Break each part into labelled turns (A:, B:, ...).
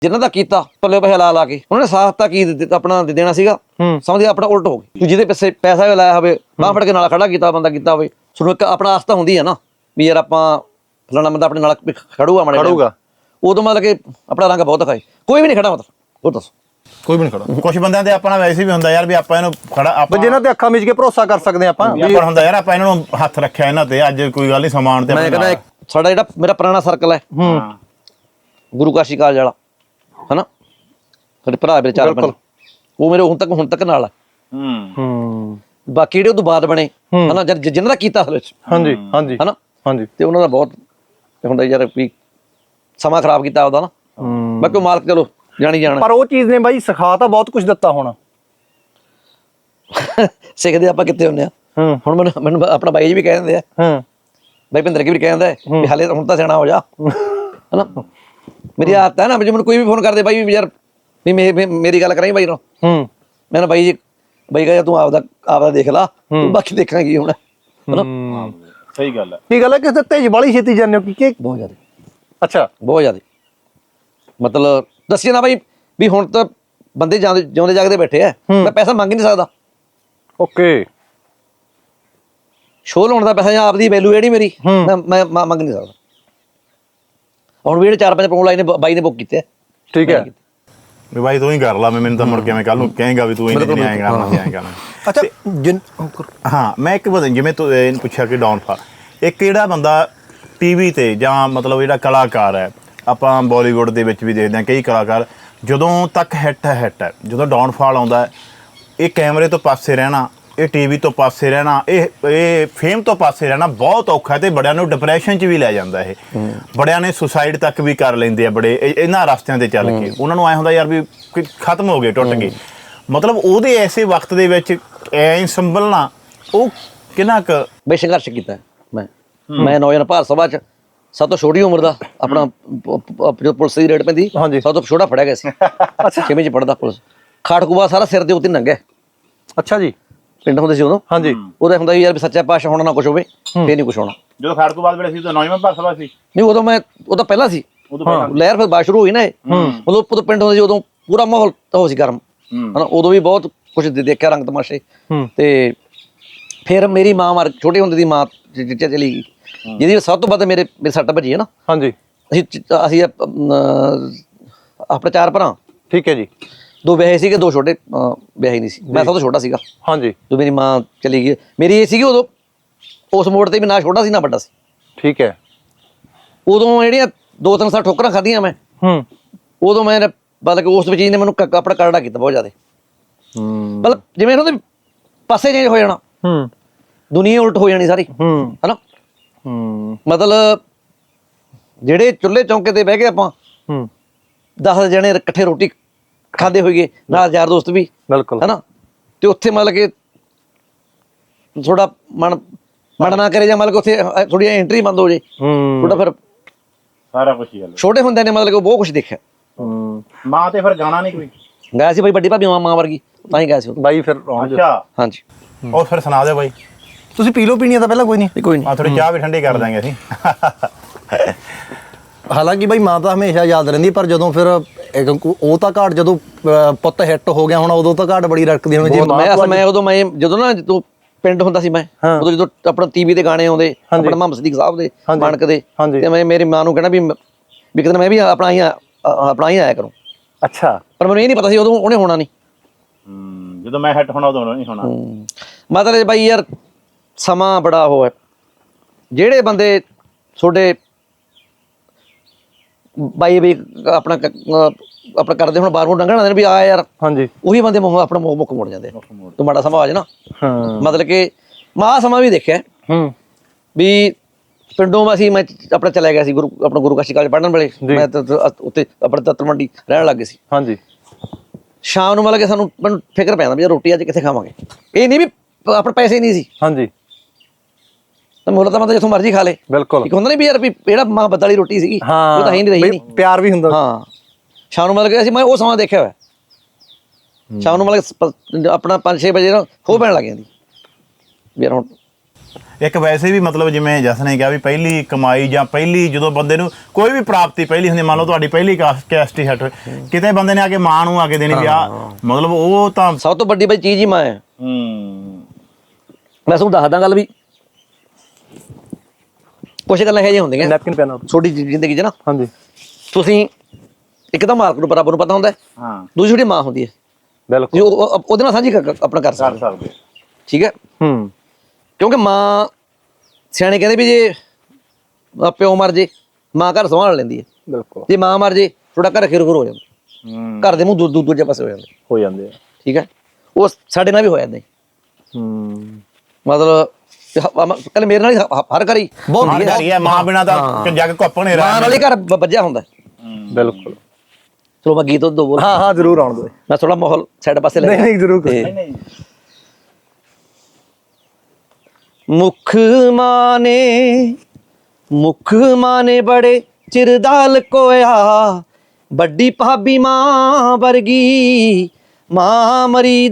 A: ਜਿਨ੍ਹਾਂ ਦਾ ਕੀਤਾ ਪੱਲੇ ਪੈਸੇ ਲਾ ਕੇ ਉਹਨਾਂ ਨੇ ਸਾਥ ਤਾਂ ਕੀ ਆਪਣਾ ਦੇਣਾ ਸੀਗਾ, ਸਮਝਦੇ ਆਪਣਾ ਉਲਟ ਹੋ ਗਈ। ਜਿਹਦੇ ਪਿੱਛੇ ਪੈਸਾ ਵੀ ਲਾਇਆ ਹੋਵੇ, ਬਾਂਹ ਫੜ ਕੇ ਨਾਲ ਖੜਾ ਕੀਤਾ ਬੰਦਾ ਕੀਤਾ ਹੋਵੇ, ਤੁਹਾਨੂੰ ਇੱਕ ਆਪਣਾ ਆਸਤਾ ਹੁੰਦੀ ਹੈ ਨਾ ਵੀ ਯਾਰ ਆਪਾਂ ਫਲਾਣਾ ਬੰਦਾ ਆਪਣੇ ਨਾਲ ਖੜੂਗਾ ਖੜੂਗਾ, ਉਦੋਂ ਮਤਲਬ ਕਿ ਆਪਣਾ ਰੰਗ ਬਹੁਤ ਦਿਖਾਏ। ਕੋਈ ਵੀ ਨਹੀਂ ਖੜਾ ਮਤਲਬ, ਉਹ ਦੱਸੋ ਕੋਈ ਵੀ ਨਹੀਂ ਖੜਾ।
B: ਕੁਝ ਬੰਦਿਆਂ ਤੇ ਆਪਣਾ ਵੈਸੇ ਵੀ ਹੁੰਦਾ ਯਾਰ ਵੀ ਆਪਾਂ ਇਹਨੂੰ ਖੜਾ ਆਪਾਂ
C: ਜਿਹਨਾਂ ਤੇ ਅੱਖਾਂ ਮੀਚ ਕੇ ਭਰੋਸਾ ਕਰ ਸਕਦੇ ਆਪਾਂ
B: ਹੁੰਦਾ ਯਾਰ ਆਪਾਂ ਇਹਨਾਂ ਨੂੰ ਹੱਥ ਰੱਖਿਆ ਇਹਨਾਂ ਤੇ, ਅੱਜ ਕੋਈ ਗੱਲ ਨਹੀਂ ਸਮਾਨ ਤੇ
A: ਮੈਂ ਕਹਿੰਦਾ ਸਾਡਾ ਜਿਹੜਾ ਮੇਰਾ ਪੁਰਾਣਾ ਸਰਕਲ ਹੈ ਗੁਰੂ ਕਾਸ਼ੀ ਕਾਲਜ ਵਾਲਾ ਹਨਾ, ਸਾਡੇ ਭਰਾ ਮੇਰੇ 4-5 ਉਹ ਮੇਰੇ ਹੁਣ ਤੱਕ ਨਾਲ ਆ। ਬਾਕੀ ਜਿਹੜੇ ਉਹ ਤੋਂ ਬਾਅਦ ਬਣੇ ਹਨਾ ਜਿਹਨਾਂ ਦਾ ਕੀਤਾ ਅਸਲ ਵਿੱਚ
C: ਹਾਂਜੀ ਹਾਂਜੀ
A: ਹਨਾ
C: ਹਾਂਜੀ,
A: ਤੇ ਉਹਨਾਂ ਦਾ ਬਹੁਤ ਹੁੰਦਾ ਯਾਰ ਵੀ ਸਮਾਂ ਖਰਾਬ ਕੀਤਾ ਉਹਦਾ ਨਾ, ਬਾਕੀ ਮਾਲਕ ਚਲੋ ਜਾਣੀ ਜਾਣਾ।
C: ਪਰ ਉਹ ਚੀਜ਼ ਨੇ ਬਾਈ ਸਿਖਾ ਤਾਂ ਬਹੁਤ ਕੁਝ ਦਿੱਤਾ ਹੋਣਾ।
A: ਸਿੱਖਦੇ ਆਪਾਂ ਕਿੱਥੇ ਹੁੰਦੇ ਆ। ਹੁਣ ਮੈਨੂੰ ਆਪਣਾ ਬਾਈ ਜੀ ਵੀ ਕਹਿ ਦਿੰਦੇ ਆ, ਬਾਈ ਭਿੰਦਰ ਕੀ ਵੀ ਕਹਿ ਦਿੰਦਾ ਵੀ ਹਾਲੇ ਹੁਣ ਤਾਂ ਸਿਆਣਾ ਹੋ ਜਾ ਹਨਾ। ਮੇਰੀ ਆਦਤ ਹੈ ਨਾ, ਮੈਨੂੰ ਕੋਈ ਵੀ ਫੋਨ ਕਰਦੇ ਬਾਈ ਵੀ ਯਾਰ ਵੀ ਮੇਰੀ ਗੱਲ ਕਰਾਈ ਬਾਈ ਨਾਲ, ਮੈਂ ਨਾ ਬਾਈ ਜੀ ਬਾਈ ਕਹਾਂ ਤੂੰ ਆਪਦਾ ਦੇਖ ਲਾ, ਤੂੰ ਬਾਕੀ ਦੇਖਾਂਗੀ ਹੁਣ ਹਨਾ।
B: ਸਹੀ ਗੱਲ ਹੈ।
C: ਕੀ ਗੱਲ ਹੈ ਕਿ ਤੇਜ ਵਾਲੀ ਛੇਤੀ ਜਾਂਦੇ ਹੋ ਕਿ
A: ਬਹੁਤ ਜ਼ਿਆਦਾ।
C: ਅੱਛਾ
A: ਬਹੁਤ ਜ਼ਿਆਦਾ ਮਤਲਬ ਦੱਸਿਆ ਨਾ ਬਾਈ ਵੀ ਹੁਣ ਤਾਂ ਬੰਦੇ ਜਿਉਂਦੇ ਜਾਗਦੇ ਬੈਠੇ ਆ, ਮੈਂ ਪੈਸਾ ਮੰਗ ਹੀ ਨਹੀਂ ਸਕਦਾ।
C: ਓਕੇ,
A: ਸ਼ੋਅ ਲਾਉਣ ਦਾ ਪੈਸਾ ਜਾਂ ਆਪਦੀ ਵੈਲੂ ਜਿਹੜੀ ਮੇਰੀ ਮੈਂ ਮੰਗ ਨਹੀਂ ਸਕਦਾ। ਹੁਣ ਵੀ ਜਿਹੜੇ 4-5 ਪ੍ਰੋਗਰਾਮ ਲਾਈ ਨੇ ਬਾਈ ਨੇ ਬੁੱਕ ਕੀਤੇ।
C: ਠੀਕ ਹੈ
B: ਵੀ ਬਾਈ ਤੂੰ ਹੀ ਕਰ ਲਾ, ਮੈਨੂੰ ਤਾਂ ਮੁੜ ਕੇ ਮੈਂ ਕੱਲ ਨੂੰ ਕਹੇਗਾ ਵੀ ਤੂੰ ਹੀ ਨਹੀਂ ਆਏਗਾ ਆਏਗਾ।
C: ਅੱਛਾ
B: ਹਾਂ, ਮੈਂ ਇੱਕ ਪਤਾ ਜਿਵੇਂ ਤੂੰ ਇਹਨੂੰ ਪੁੱਛਿਆ ਕਿ ਡਾਊਨਫਾਲ, ਇੱਕ ਜਿਹੜਾ ਬੰਦਾ ਟੀਵੀ ਤੇ ਜਾਂ ਮਤਲਬ ਜਿਹੜਾ ਕਲਾਕਾਰ ਹੈ, ਆਪਾਂ ਬਾਲੀਵੁੱਡ ਦੇ ਵਿੱਚ ਵੀ ਦੇਖਦੇ ਹਾਂ ਕਈ ਕਲਾਕਾਰ ਜਦੋਂ ਤੱਕ ਹਿੱਟ ਹੈ, ਜਦੋਂ ਡਾਊਨਫਾਲ ਆਉਂਦਾ ਇਹ ਕੈਮਰੇ ਤੋਂ ਪਾਸੇ ਰਹਿਣਾ, ਇਹ ਟੀਵੀ ਤੋਂ ਪਾਸੇ ਰਹਿਣਾ, ਇਹ ਫੇਮ ਤੋਂ ਪਾਸੇ ਰਹਿਣਾ ਬਹੁਤ ਔਖਾ ਤੇ ਬੜਿਆਂ ਨੂੰ ਡਿਪਰੈਸ਼ਨ 'ਚ ਵੀ ਲੈ ਜਾਂਦਾ। ਇਹ ਬੜਿਆਂ ਨੇ ਸੁਸਾਈਡ ਤੱਕ ਵੀ ਕਰ ਲੈਂਦੇ ਆ ਬੜੇ ਇਹਨਾਂ ਰਸਤਿਆਂ ਤੇ ਚੱਲ ਕੇ। ਉਹਨਾਂ ਨੂੰ ਐ ਹੁੰਦਾ ਯਾਰ ਵੀ ਖਤਮ ਹੋ ਗਏ, ਟੁੱਟ ਗਏ। ਮਤਲਬ ਉਹਦੇ ਐਸੇ ਵਕਤ ਦੇ ਵਿੱਚ ਐ ਸੰਭਲਣਾ ਉਹ ਕਿੰਨਾ ਕੁ
A: ਬਈ ਸੰਘਰਸ਼ ਕੀਤਾ ਮੈਂ ਨੌਜਵਾਨ ਭਾਰਤ ਸਭਾ 'ਚ ਸਭ ਤੋਂ ਛੋਟੀ ਉਮਰ ਦਾ ਆਪਣਾ ਜੋ ਪੁਲਿਸ ਦੀ ਰੇਡ ਪੈਂਦੀ ਸਭ ਤੋਂ ਛੋਟਾ ਫੜਿਆ ਗਿਆ ਸੀ। ਅੱਛਾ 6ਵੀਂ 'ਚ ਪੜ੍ਹਦਾ ਪੁਲਿਸ ਖਾੜਕੂਬਾ ਸਾਰਾ ਸਿਰ ਦੇ ਉੱਤੇ ਨੰਗਿਆ।
C: ਅੱਛਾ ਜੀ,
A: ਪਿੰਡ ਹੁੰਦੇ ਸੀ ਉਦੋਂ। ਹਾਂਜੀ, ਉਹਦਾ ਹੁੰਦਾ ਯਾਰ ਵੀ ਸੱਚਾ ਪਾਤਸ਼ਾਹ ਹੋਣਾ ਨਾ ਕੁਛ ਹੋਵੇ ਫੇਰ ਨਹੀਂ ਕੁਛ ਹੋਣਾ।
B: ਜਦੋਂ ਖਾੜਕੂਬਾਦ ਵੇਲੇ ਸੀ ਤਾਂ ਨੌਜਵਾਨ ਭਾਰਤ ਸਭਾ ਸੀ
A: ਨਹੀਂ, ਉਹ ਤਾਂ ਪਹਿਲਾਂ ਸੀ ਲਹਿਰ, ਫਿਰ ਬਾਅਦ ਸ਼ੁਰੂ ਹੋਈ ਨਾ ਇਹ। ਉਦੋਂ ਪਿੰਡ ਹੁੰਦੇ ਸੀ, ਉਦੋਂ ਪੂਰਾ ਮਾਹੌਲ ਉਹ ਸੀ ਗਰਮ ਹਨਾ। ਉਦੋਂ ਵੀ ਬਹੁਤ ਕੁਛ ਦੇਖਿਆ ਰੰਗ ਤਮਾਸ਼ੇ। ਤੇ ਫਿਰ ਮੇਰੀ ਮਾਂ ਛੋਟੇ ਹੁੰਦੇ ਦੀ ਮਾਂ ਚਿੱਟੇ ਚਲੀ ਗਈ, ਜਿਹਦੀ ਸਭ ਤੋਂ ਵੱਧ ਮੇਰੇ ਸੱਟ ਭੱਜੀ ਹੈ ਨਾ। ਹਾਂਜੀ, ਅਸੀਂ ਆਪਣੇ 4 ਭਰਾ।
C: ਠੀਕ ਹੈ ਜੀ,
A: 2 ਵਿਆਹੇ ਸੀਗੇ, 2 ਛੋਟੇ ਵਿਆਹੇ ਨਹੀਂ ਸੀ। ਮੈਂ ਸਭ ਤੋਂ ਛੋਟਾ ਸੀਗਾ। ਹਾਂਜੀ, ਜਦੋਂ ਮੇਰੀ ਮਾਂ ਚਲੀ ਗਈ ਮੇਰੀ ਇਹ ਸੀਗੀ ਉਦੋਂ ਉਸ ਮੋੜ ਤੇ ਵੀ ਨਾ ਛੋਟਾ ਸੀ ਨਾ ਵੱਡਾ ਸੀ। ਠੀਕ ਹੈ, ਉਦੋਂ ਜਿਹੜੀਆਂ 2-3 ਸਾਲ ਠੋਕਰਾਂ ਖਾਧੀਆਂ ਮੈਂ, ਉਦੋਂ ਮੈਂ ਮਤਲਬ ਕਿ ਉਸ ਚੀਜ਼ ਨੇ ਮੈਨੂੰ ਆਪਣਾ ਕਰੜਾ ਕੀਤਾ ਬਹੁਤ ਜ਼ਿਆਦਾ। ਮਤਲਬ ਜਿਵੇਂ ਉਹਦੇ ਪਾਸੇ ਚੇਂਜ ਹੋ ਜਾਣਾ, ਦੁਨੀਆ ਉਲਟ ਹੋ ਜਾਣੀ ਸਾਰੀ ਹਨਾ। ਮਤਲਬ ਜਿਹੜੇ ਚੁੱਲ੍ਹੇ ਚੌਂਕੇ ਤੇ ਬਹਿ ਕੇ ਆਪਾਂ 10 ਜਣੇ ਇਕੱਠੇ ਰੋਟੀ ਖਾਂਦੇ ਹੋਈਏ ਨਾਲ ਯਾਰ ਦੋਸਤ ਵੀ, ਬਿਲਕੁਲ ਹਨਾ, ਤੇ ਉੱਥੇ ਮਤਲਬ ਕਿ ਥੋੜਾ ਮਨ ਨਾ ਕਰੇ ਜਾਂ ਮਤਲਬ ਕਿ ਉੱਥੇ ਥੋੜੀ ਐਂਟਰੀ ਬੰਦ ਹੋ ਜੇ ਥੋੜਾ, ਫਿਰ
B: ਸਾਰਾ ਕੁਝ ਹੀ
A: ਛੋਟੇ ਹੁੰਦਿਆਂ ਨੇ ਮਤਲਬ ਕਿ ਬਹੁਤ ਕੁਛ ਦੇਖਿਆ।
B: ਮਾਂ ਤੇ ਫਿਰ ਗਾਣਾ ਨਹੀਂ ਕੋਈ
A: ਗਾਇਆ ਸੀ ਬਾਈ, ਵੱਡੀ ਭਾਬੀ ਮਾਂ ਵਰਗੀ ਤਾਂ ਹੀ ਗਾਇਆ ਸੀ
C: ਬਾਈ। ਫਿਰ
B: ਅੱਛਾ,
A: ਹਾਂਜੀ,
B: ਉਹ ਫਿਰ ਸੁਣਾ ਦਿਓ ਬਾਈ।
C: ਤੁਸੀਂ ਪੀ ਲਓ, ਪੀਣੀ ਤਾਂ ਪਹਿਲਾਂ ਕੋਈ ਨਹੀਂ
B: ਆ ਥੋੜੀ ਚਾਹ ਵੀ ਠੰਡੀ ਕਰ ਦਾਂਗੇ ਅਸੀਂ।
C: ਹਾਲਾਂਕਿ ਬਾਈ ਮਾਂ ਤਾਂ ਹਮੇਸ਼ਾ ਯਾਦ ਰਹਿੰਦੀ, ਪਰ ਜਦੋਂ ਫਿਰ ਉਹ ਤਾਂ ਘਾਟ ਜਦੋਂ ਪੁੱਤ ਹਿੱਟ ਹੋ ਗਿਆ ਹੁਣ ਉਦੋਂ ਤਾਂ ਘਾਟ ਬੜੀ ਰੜਕਦੀ ਹੋਣੀ।
A: ਮੈਂ ਉਦੋਂ ਜਦੋਂ ਨਾ ਜਦੋਂ ਪਿੰਡ ਹੁੰਦਾ ਸੀ ਮੈਂ, ਉਦੋਂ ਜਦੋਂ ਆਪਣਾ ਟੀਵੀ ਤੇ ਗਾਣੇ ਆਉਂਦੇ ਆਪਣਾ ਮੁਹੰਮਦ ਸਦੀਕ ਸਾਹਿਬ ਦੇ, ਮਾਨਕ ਦੇ, ਤੇ ਮੈਂ ਮੇਰੀ ਮਾਂ ਨੂੰ ਕਹਿਣਾ ਵੀ ਕਿਤੇ ਮੈਂ ਵੀ ਆਪਣਾ ਹੀ ਆਇਆ ਕਰੂੰ। ਅੱਛਾ, ਪਰ ਮੈਨੂੰ ਇਹ ਨਹੀਂ ਪਤਾ ਸੀ ਉਦੋਂ ਉਹਨੇ ਹੋਣਾ ਨਹੀਂ।
B: ਜਦੋਂ ਮੈਂ ਹਿੱਟ ਹੋਣਾ ਉਦੋਂ ਨਹੀਂ ਹੋਣਾ।
A: ਮਤਲਬ ਬਾਈ ਯਾਰ ਸਮਾਂ ਬੜਾ ਉਹ ਹੈ, ਜਿਹੜੇ ਬੰਦੇ ਤੁਹਾਡੇ ਬਾਈ ਵੀ ਆਪਣਾ ਕਰਦੇ ਹੁਣ ਬਾਹਰੋਂ ਡੰਗਣਾ ਦੇ ਵੀ ਆ ਯਾਰ, ਹਾਂਜੀ, ਉਹੀ ਬੰਦੇ ਆਪਣਾ ਮੁੱਖ ਮੋੜ ਜਾਂਦੇ। ਤੂੰ ਮਾੜਾ ਸਮਾਂ ਆ ਜਾ ਨਾ, ਮਤਲਬ ਕਿ ਮਾਂ ਸਮਾਂ ਵੀ ਦੇਖਿਆ ਵੀ ਪਿੰਡੋਂ ਮੈਂ ਆਪਣਾ ਚਲਿਆ ਗਿਆ ਸੀ ਗੁਰੂ ਕਾਸ਼ੀ ਕਾਲਜ ਪੜ੍ਹਨ ਵੇਲੇ। ਮੈਂ ਉੱਥੇ ਆਪਣੇ ਤੱਤਰ ਮੰਡੀ ਰਹਿਣ ਲੱਗ ਗਏ ਸੀ। ਹਾਂਜੀ, ਸ਼ਾਮ ਨੂੰ ਮਤਲਬ ਕਿ ਮੈਨੂੰ ਫਿਕਰ ਪੈਂਦਾ ਵੀ ਰੋਟੀ ਅੱਜ ਕਿੱਥੇ ਖਾਵਾਂਗੇ। ਇਹ ਨਹੀਂ ਵੀ ਆਪਣੇ ਪੈਸੇ ਨਹੀਂ ਸੀ। ਹਾਂਜੀ, ਮੁੱਲ ਤਾਂ ਮਤਲਬ ਜਿੱਥੋਂ ਮਰਜ਼ੀ ਖਾ ਲੇ। ਬਿਲਕੁਲ, ਇੱਕ ਹੁੰਦਾ ਨਹੀਂ ਵੀ ਯਾਰ ਵੀ ਜਿਹੜਾ ਮਾਂ ਬੱਦ ਵਾਲੀ ਰੋਟੀ ਸੀਗੀ ਉਹ ਤਾਂ ਹੀ ਨਹੀਂ ਰਹੀ,
C: ਪਿਆਰ ਵੀ ਹੁੰਦਾ।
A: ਹਾਂ, ਸ਼ਾਮ ਨੂੰ ਮਤਲਬ ਕਿ ਅਸੀਂ ਮੈਂ ਉਹ ਸਮਾਂ ਦੇਖਿਆ ਹੋਇਆ। ਸ਼ਾਮ ਨੂੰ ਮਤਲਬ ਆਪਣਾ 5-6 ਵਜੇ ਨਾ ਖੋਹ ਪੈਣ ਲੱਗ ਜਾਂਦੀ ਵੀ ਯਾਰ ਹੁਣ
B: ਇੱਕ ਵੈਸੇ ਵੀ ਮਤਲਬ ਜਿਵੇਂ ਜਸ ਨੇ ਕਿਹਾ ਵੀ ਪਹਿਲੀ ਕਮਾਈ ਜਾਂ ਪਹਿਲੀ ਜਦੋਂ ਬੰਦੇ ਨੂੰ ਕੋਈ ਵੀ ਪ੍ਰਾਪਤੀ ਪਹਿਲੀ ਹੁੰਦੀ, ਮੰਨ ਲਓ ਤੁਹਾਡੀ ਪਹਿਲੀ ਕੈਸਟੀ ਹਟ ਕਿਤੇ ਬੰਦੇ ਨੇ ਆ ਕੇ ਮਾਂ ਨੂੰ ਆ ਕੇ ਦੇਣੀ ਵੀ ਆ, ਮਤਲਬ ਉਹ ਤਾਂ
A: ਸਭ ਤੋਂ ਵੱਡੀ ਬਈ ਚੀਜ਼ ਹੀ ਮਾਂ ਹੈ। ਮੈਂ ਤੁਹਾਨੂੰ ਦੱਸਦਾ ਗੱਲ ਵੀ ਕੁਛ ਗੱਲਾਂ ਇਹੋ ਜਿਹੀਆਂ ਹੁੰਦੀਆਂ
C: ਨੈਪਕਿਨ ਪੈਨ
A: ਛੋਟੀ ਜ਼ਿੰਦਗੀ 'ਚ ਨਾ।
C: ਹਾਂਜੀ
A: ਤੁਸੀਂ ਇੱਕ ਤਾਂ ਮਾਲਕ ਨੂੰ ਬਰਾਬਰ ਨੂੰ ਪਤਾ ਹੁੰਦਾ,
B: ਹਾਂ
A: ਦੂਜੀ ਛੋਟੀ ਮਾਂ ਹੁੰਦੀ ਹੈ,
C: ਬਿਲਕੁਲ
A: ਜੋ ਉਹਦੇ ਨਾਲ ਸਾਂਝੀ ਆਪਣਾ ਕਰ ਸਕਦੇ, ਠੀਕ ਹੈ। ਕਿਉਂਕਿ ਮਾਂ ਸਿਆਣੇ ਕਹਿੰਦੇ ਵੀ ਜੇ ਪਿਓ ਮਰ ਜੇ ਮਾਂ ਘਰ ਸੰਭਾਲ ਲੈਂਦੀ ਹੈ,
C: ਬਿਲਕੁਲ
A: ਜੇ ਮਾਂ ਮਰ ਜੇ ਤੁਹਾਡਾ ਘਰ ਖਿਰ ਹੋ ਜਾਂਦਾ, ਘਰ ਦੇ ਮੂੰਹ ਦੂਜੇ ਪਾਸੇ ਹੋ ਜਾਂਦੇ
C: ਆ,
A: ਠੀਕ ਹੈ। ਉਹ ਸਾਡੇ ਨਾਲ ਵੀ ਹੋ ਜਾਂਦਾ ਮਤਲਬ ਕੱਲ ਮੇਰੇ ਨਾਲ ਹੀ ਹਰ ਘਰ ਹੀ
B: ਬਹੁਤ ਹੈ, ਮਾਂ ਬਿਨਾਂ ਤਾਂ ਜੱਗ ਘੁੱਪ ਨਹੀਂ ਰਿਹਾ,
A: ਮਾਂ ਨਾਲ ਹੀ ਘਰ ਵੱਜਿਆ ਹੁੰਦਾ।
C: ਬਿਲਕੁਲ।
A: ਚਲੋ ਮੈਂ ਗੀਤ ਦੋ ਬੋਲ,
C: ਹਾਂ ਜ਼ਰੂਰ ਆਉਣ ਦਿਓ,
A: ਮੈਂ ਥੋੜਾ ਮਾਹੌਲ ਸਾਈਡ ਪਾਸੇ ਲੈ
C: ਨਹੀਂ ਜ਼ਰੂਰ
A: ਮੁੱਖ ਮਾਨੇ ਬੜੇ ਚਿਰ ਦਾ ਲਕੋਇਆ, ਵੱਡੀ ਭਾਬੀ ਮਾਂ ਵਰਗੀ, ਮਾਂ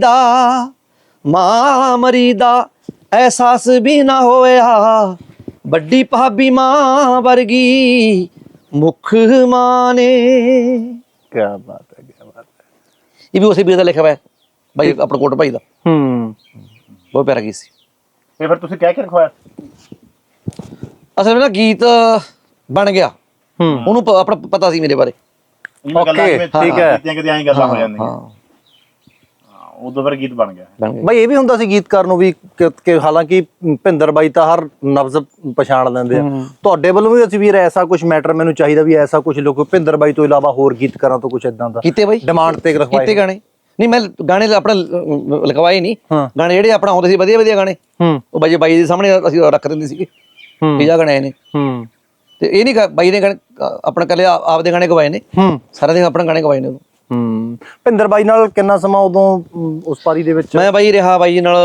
A: ਮਰੀ ਦਾ ਅਹਿਸਾਸ ਵੀ ਨਾ ਹੋਇਆ, ਵੱਡੀ ਭਾਬੀ ਮਾਂ ਵਰਗੀ ਮੁੱਖ ਮਾਨੇ।
C: ਕੀ ਬਾਤ ਹੈ, ਕੀ ਬਾਤ ਹੈ।
A: ਇਹ ਵੀ ਉਸੇ ਵੀਰ ਦਾ ਲਿਖਿਆ ਹੋਇਆ ਭਾਈ, ਆਪਣਾ ਕੋਟ ਭਾਈ ਦਾ। ਬਹੁਤ ਪਿਆਰਾ ਗੀਤ ਸੀ।
B: ਇਹ ਫਿਰ ਤੁਸੀਂ ਕਹਿ ਕੇ ਰਖਵਾਇਆ?
A: ਅਸਲ ਵਿੱਚ ਨਾ ਗੀਤ ਬਣ ਗਿਆ, ਉਹਨੂੰ ਆਪਣਾ ਪਤਾ ਸੀ ਮੇਰੇ ਬਾਰੇ।
B: ਓਕੇ ਠੀਕ ਹੈ, ਕਿਤੇ ਐਂ ਗੱਲਾਂ ਹੋ ਜਾਂਦੀਆਂ,
A: ਹਾਂ
B: ਉਦੋਂ ਫਿਰ ਗੀਤ ਬਣ ਗਿਆ।
C: ਬਈ ਇਹ ਵੀ ਹੁੰਦਾ ਸੀ ਗੀਤਕਾਰ ਨੂੰ ਵੀ ਕਿ ਹਾਲਾਂਕਿ ਭਿੰਦਰ ਬਾਈ ਤਾਂ ਹਰ ਨਬਜ਼ ਪਛਾਣ ਲੈਂਦੇ ਆ, ਤੁਹਾਡੇ ਵੱਲੋਂ ਵੀ ਅਸੀਂ ਵੀਰ ਐਸਾ ਕੁਝ ਮੈਟਰ ਮੈਨੂੰ ਚਾਹੀਦਾ ਵੀ ਐਸਾ ਕੁਝ ਲੋਕ ਭਿੰਦਰ ਬਾਈ ਤੋਂ ਇਲਾਵਾ ਹੋਰ ਗੀਤਕਾਰਾਂ ਤੋਂ ਕੁਝ ਇਦਾਂ ਦਾ
A: ਕੀਤੇ ਬਾਈ
C: ਡਿਮਾਂਡ ਤੇ ਰਖਵਾਏ
A: ਕੀਤੇ ਗਾਣੇ? ਨਹੀਂ ਮੈਂ ਗਾਣੇ ਆਪਣਾ ਲਿਖਵਾਏ ਨਹੀਂ, ਗਾਣੇ ਜਿਹੜੇ ਆਪਣਾ ਆਉਂਦੇ ਸੀ ਵਧੀਆ ਗਾਣੇ, ਉਹ ਬਾਈ ਦੇ ਸਾਹਮਣੇ ਅਸੀਂ ਰੱਖ ਦਿੰਦੇ ਸੀਗੇ ਵੀ ਜਾ ਗਾਣੇ ਆਏ ਨੇ। ਤੇ ਇਹ ਨਹੀਂ ਬਾਈ ਨੇ ਆਪਣਾ ਕੱਲੇ ਆਪਦੇ ਗਾਣੇ ਗਵਾਏ ਨੇ, ਸਾਰਿਆਂ ਦੇ ਆਪਣਾ ਗਾਣੇ ਗਵਾਏ ਨੇ ਉਦੋਂ।
C: ਭਿੰਦਰ ਬਾਈ ਨਾਲ ਕਿੰਨਾ ਸਮਾਂ ਉਦੋਂ ਉਸ ਪਾਰੀ ਦੇ ਵਿੱਚ?
A: ਮੈਂ ਬਾਈ ਰਿਹਾ ਬਾਈ ਨਾਲ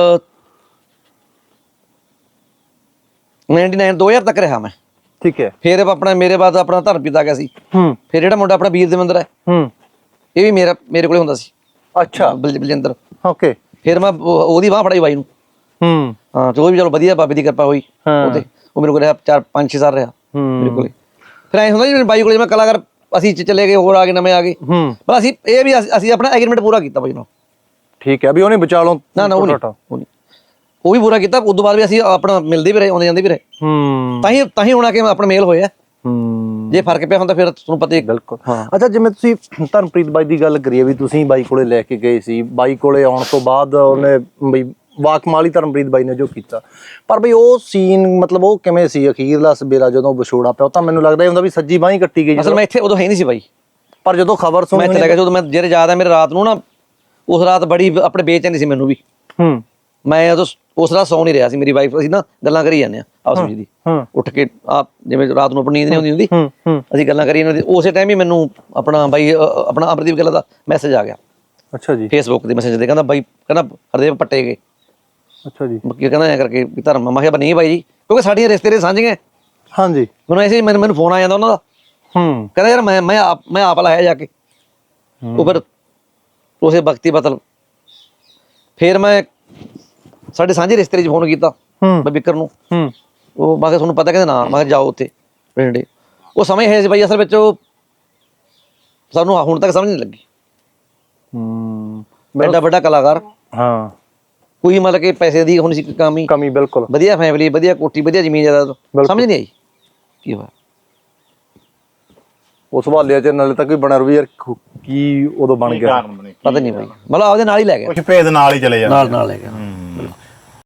A: 99 2000 ਤੱਕ ਰਿਹਾ ਮੈਂ,
C: ਠੀਕ ਹੈ।
A: ਫਿਰ ਆਪਣਾ ਮੇਰੇ ਬਾਅਦ ਆਪਣਾ ਧਰਮਪੀਤ ਆ ਗਿਆ ਸੀ, ਫਿਰ ਜਿਹੜਾ ਮੁੰਡਾ ਆਪਣਾ ਵੀਰ ਦੇਵਿੰਦਰ ਹੈ ਇਹ ਵੀ ਮੇਰੇ ਕੋਲੇ ਹੁੰਦਾ ਸੀ।
C: ਅੱਛਾ,
A: ਬਲਜਿੰਦਰ।
C: ਓਕੇ।
A: ਫਿਰ ਮੈਂ ਉਹਦੀ ਬਾਂਹ ਫੜਾਈ ਬਾਈ ਨੂੰ। ਹਾਂ ਚਲੋ ਵੀ ਚਲੋ ਵਧੀਆ ਬਾਬੇ ਦੀ ਕਿਰਪਾ ਹੋਈ, ਉਹ ਮੇਰੇ ਕੋਲ ਰਿਹਾ 4-5-6 ਸਾਲ ਰਿਹਾ ਮੇਰੇ ਕੋਲੇ। ਫਿਰ ਐਂ ਹੁੰਦਾ ਜੀ ਬਾਈ ਕੋਲੇ ਮੈਂ ਕਲਾਕਾਰ ਅਸੀਂ ਚਲੇ ਗਏ, ਹੋਰ ਆ ਗਏ, ਨਵੇਂ ਆ ਗਏ, ਪਰ ਅਸੀਂ ਆਪਣਾ ਐਗਰੀਮੈਂਟ ਪੂਰਾ ਕੀਤਾ ਬਾਈ ਨਾਲ।
C: ਠੀਕ ਹੈ, ਵੀ ਉਹਨੇ ਵਿਚਾਲੋਂ
A: ਨਾ ਉਹ ਵੀ ਪੂਰਾ ਕੀਤਾ। ਉਸ ਤੋਂ ਬਾਅਦ ਵੀ ਅਸੀਂ ਆਪਣਾ ਮਿਲਦੇ ਵੀ ਰਹੇ, ਆਉਂਦੇ ਜਾਂਦੇ ਵੀ ਰਹੇ, ਤਾਂ ਹੀ ਹੁਣ ਆ ਕੇ ਆਪਣਾ ਮੇਲ ਹੋਇਆ। ਜੇ ਫਰਕ ਪਿਆ ਹੁੰਦਾ ਫਿਰ ਤੁਹਾਨੂੰ ਪਤਾ ਹੀ।
C: ਬਿਲਕੁਲ। ਅੱਛਾ, ਜਿਵੇਂ ਤੁਸੀਂ ਧਰਮਪ੍ਰੀਤ ਬਾਈ ਦੀ ਗੱਲ ਕਰੀਏ ਵੀ ਤੁਸੀਂ ਬਾਈ ਕੋਲੇ ਲੈ ਕੇ ਗਏ ਸੀ, ਬਾਈ ਕੋਲੇ ਆਉਣ ਤੋਂ ਬਾਅਦ ਉਹਨੇ ਬਈ ਵਾਕਮਾਲ ਹੀ ਧਰਮਪ੍ਰੀਤ ਬਾਈ ਨੇ ਜੋ ਕੀਤਾ, ਪਰ ਬਈ ਉਹ ਸੀਨ ਮਤਲਬ ਉਹ ਕਿਵੇਂ ਸੀ ਅਖੀਰਲਾ ਸਵੇਰਾ ਜਦੋਂ ਵਿਛੋੜਾ ਪਿਆ? ਉਹ ਤਾਂ ਮੈਨੂੰ ਲੱਗਦਾ ਹੁੰਦਾ ਵੀ ਸੱਜੀ ਬਾਂਹ ਹੀ ਕੱਟੀ ਗਈ।
A: ਅਸਲ ਮੈਂ ਇੱਥੇ ਉਦੋਂ ਹੈ ਨਹੀਂ ਸੀ ਬਾਈ,
C: ਪਰ ਜਦੋਂ ਖਬਰ ਸੁਣੀ
A: ਮੈਂ ਚਲਾ ਗਿਆ, ਜਦੋਂ ਮੈਂ ਜਿਹੜੇ ਯਾਦ ਹੈ ਮੇਰੇ ਰਾਤ ਨੂੰ ਨਾ, ਉਸ ਰਾਤ ਬੜੀ ਆਪਣੇ ਬੇਚੈਨੀ ਸੀ ਮੈਨੂੰ ਵੀ। ਮੈਂ ਉਦੋਂ ਉਸ ਰਾਤ ਸੌਂ ਨਹੀਂ ਰਿਹਾ ਸੀ, ਮੇਰੀ ਵਾਈਫ ਅਸੀਂ ਨਾ ਗੱਲਾਂ ਕਰੀ ਜਾਂਦੇ ਆ ਆਪਸ ਵਿੱਚ ਦੀ, ਉੱਠ ਕੇ ਆਪ ਜਿਵੇਂ ਰਾਤ ਨੂੰ ਆਪਣੀ ਨੀਂਦ ਨਹੀਂ ਹੁੰਦੀ ਅਸੀਂ ਗੱਲਾਂ ਕਰੀ ਜਾਂਦੇ। ਉਸੇ ਟਾਈਮ ਹੀ ਮੈਨੂੰ ਆਪਣਾ ਬਾਈ ਆਪਣਾ ਅਮਰਦੀਪ ਗਿੱਲ ਦਾ ਮੈਸੇਜ ਆ ਗਿਆ।
C: ਅੱਛਾ ਜੀ।
A: ਫੇਸਬੁੱਕ ਦੇ ਮੈਸੇਜ ਤੇ ਕਹਿੰਦਾ ਬਾਈ ਕਹਿੰਦਾ ਹਰਦੇਵ ਪੱਟੇ ਗਏ।
C: ਅੱਛਾ ਜੀ।
A: ਕੀ ਕਹਿੰਦਾ ਐ ਕਰਕੇ ਧਰਮ? ਮੈਂ ਕਿਹਾ ਨਹੀਂ ਬਾਈ ਜੀ, ਕਿਉਂਕਿ ਸਾਡੀਆਂ ਰਿਸ਼ਤੇ ਦੇ ਸਾਂਝੀਆਂ।
C: ਹਾਂਜੀ।
A: ਮੈਨੂੰ ਐਸੇ ਮੈਨੂੰ ਫੋਨ ਆ ਜਾਂਦਾ ਉਹਨਾਂ ਦਾ, ਕਹਿੰਦਾ ਯਾਰ ਮੈਂ ਆਪ ਲਾਇਆ ਜਾ ਕੇ। ਉਹ ਫਿਰ ਉਸੇ ਵਕਤੀ ਬਤਲ ਫਿਰ ਮੈਂ ਸਾਡੇ ਸਾਂਝੇ ਰਿਸ਼ਤੇ 'ਚ ਫੋਨ ਕੀਤਾ ਮੈਂ ਬਿੱਕਰ ਨੂੰ। ਉਹ ਮੈਂ ਕਿਹਾ ਤੁਹਾਨੂੰ ਪਤਾ? ਕਹਿੰਦੇ ਨਾ। ਮੈਂ ਕਿਹਾ ਜਾਓ ਉੱਥੇ ਪਿੰਡੇ। ਉਹ ਸਮਝ ਹੈ ਸੀ ਬਾਈ, ਅਸਲ ਵਿੱਚ ਉਹ ਸਾਨੂੰ ਹੁਣ ਤੱਕ ਸਮਝ ਨਹੀਂ ਲੱਗੀ। ਵੱਡਾ ਕਲਾਕਾਰ,
C: ਹਾਂ,
A: ਕੋਈ ਮਤਲਬ ਕਿ ਪੈਸੇ ਦੀ ਹੁਣ ਸੀ ਕਮੀ,
C: ਬਿਲਕੁਲ
A: ਵਧੀਆ ਫੈਮਿਲੀ, ਵਧੀਆ ਕੋਠੀ, ਵਧੀਆ ਜ਼ਮੀਨ ਜਾਇਦਾਦ, ਸਮਝ ਨਹੀਂ ਆਈ ਕੀ ਹੋਇਆ।
C: ਉਸ ਹਵਾਲੇ 'ਚ ਨਾਲੇ ਤੱਕ ਵੀ ਬਣਿਆ ਰਹੂ ਯਾਰ ਕੀ ਉਦੋਂ ਬਣ ਗਿਆ,
A: ਪਤਾ ਨਹੀਂ ਬਾਈ, ਮਤਲਬ ਆਪਦੇ ਨਾਲ ਹੀ ਲੈ ਗਿਆ,
B: ਕੁਝ ਭੇਦ ਨਾਲ ਹੀ ਚਲੇ ਜਾਂਦੇ,
A: ਨਾਲ ਲੈ ਗਿਆ।